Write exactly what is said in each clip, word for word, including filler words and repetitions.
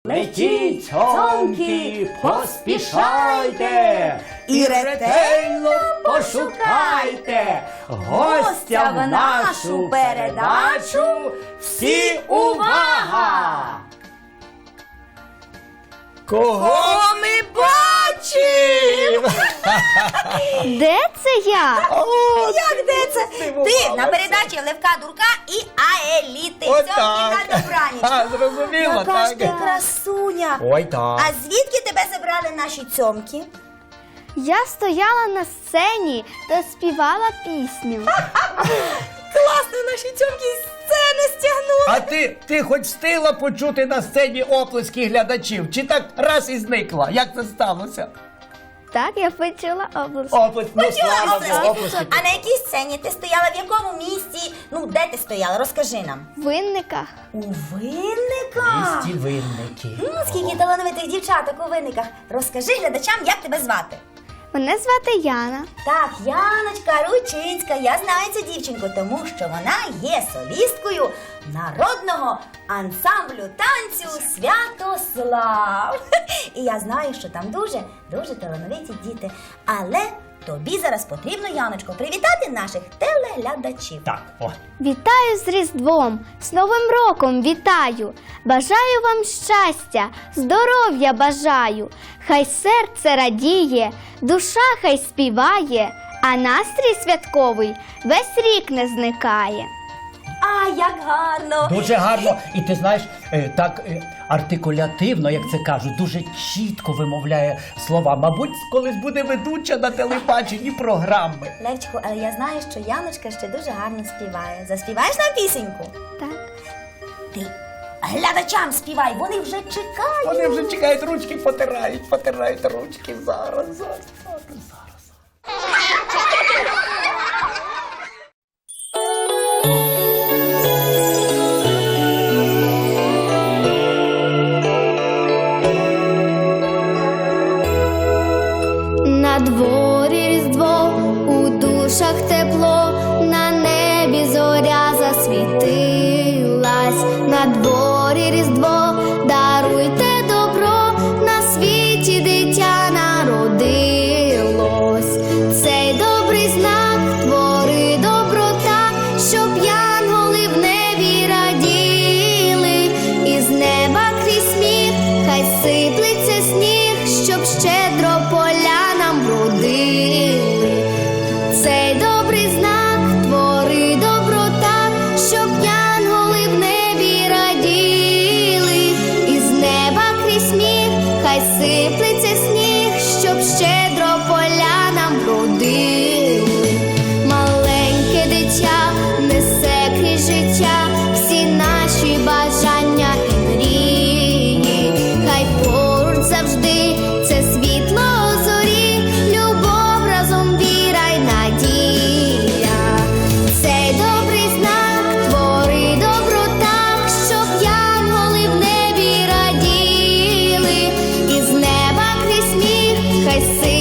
Летіть, цьомки, поспішайте і ретельно пошукайте гостя в нашу передачу. Всі увага! Кого ми бачимо? Де це я? Як де це? Ти на передачі Левка Дурка і Аеліти. Цьомки на добраніч. Зрозуміло, Яка ж ти так? красуня. Ой, так. А звідки тебе забрали наші цьомки? Я стояла на сцені та співала пісню. Класно, наші цьомки з сцени стягнули. А ти, ти хоч встигла почути на сцені оплески глядачів? Чи так раз і зникла? Як це сталося? Так, я почула область. Оплески, ну Почула слава оплески. Богу, оплески. А на якій сцені ти стояла? В якому місці? Ну, де ти стояла? Розкажи нам. В Винниках. У Винниках? Місті Винники. М, Скільки талановитих дівчаток у Винниках. Розкажи глядачам, як тебе звати. Мене звати Яна. Так, Яночка Ручинська, я знаю цю дівчинку, тому що вона є солісткою народного ансамблю танцю Святослав. І я знаю, що там дуже, дуже талановиті діти. Але тобі зараз потрібно, Яночко, привітати наших телеглядачів. Так, о. Вітаю з Різдвом, з Новим роком вітаю. Бажаю вам щастя, здоров'я бажаю. Хай серце радіє, душа хай співає, а настрій святковий весь рік не зникає. А, як гарно! Дуже гарно. І ти знаєш, е, так е, артикулятивно, як це кажуть, дуже чітко вимовляє слова. Мабуть, колись буде ведуча на телебаченні програми. Левчику, але я знаю, що Яночка ще дуже гарно співає. Заспіваєш нам пісеньку? Так. Ти глядачам співай, вони вже чекають. Вони вже чекають, ручки потирають, потирають ручки. Зараз, зараз, зараз, зараз. На дворі Різдво, у душах тепло, на небі зоря засвітилась. На дворі Різдво, даруйте добро, на світі дитя народилось. Цей добрий знак твори доброта, щоб янголи в небі раділи. Із неба крізь сміх, хай сиплеться сніг, щоб щедро полянам вродили. Цей добрий знак твори доброта, щоб янголи в небі раділи. Із неба крізь сміх, хай сиплеться сніг, щоб щедро полянам вродили. Маленьке дитя несе крізь життя всі наші бажання і мрії. Хай поруч завжди це світло зорі, любов разом віра й надія. Цей добрий знак твори доброта, щоб янголи в небі раділи. Із неба крізь сміх, хай сиплеться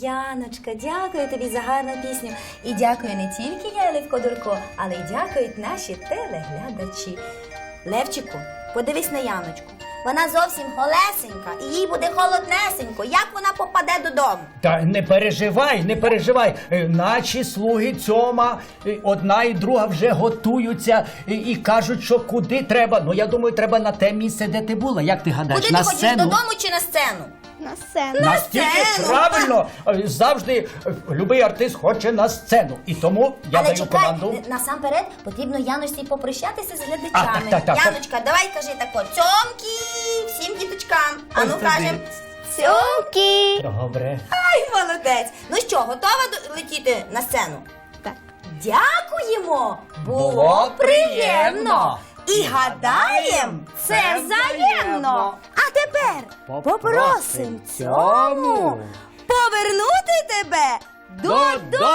Яночка, дякую тобі за гарну пісню. І дякую не тільки я, Левко Дурко, але й дякують наші телеглядачі. Левчику, подивись на Яночку. Вона зовсім холесенька, і їй буде холоднесенько. Як вона попаде додому? Та не переживай, не переживай. Е, Наші слуги Цьома, е, одна і друга вже готуються і, і кажуть, що куди треба. Ну, я думаю, треба на те місце, де ти була. Як ти гадаєш, Куди на ти хочеш, сцену? додому чи на сцену? На сцену. Настільки сцену. правильно, е, завжди е, любий артист хоче на сцену. І тому я Але даю чекай, команду. насамперед потрібно Яночці попрощатися з глядачами. А, так, так, так. Яночка, давай кажи тако, цьомки всім діточкам. А Ось ну тобі. кажем. Цьомки. Добре. Ай, молодець. Ну що, готова до- летіти на сцену? Так. Дякуємо! Було, Було приємно! приємно. І гадаєм, це це взаємно! взаємно. А тепер Попросим попросим цьому цьому повернути тебе додому!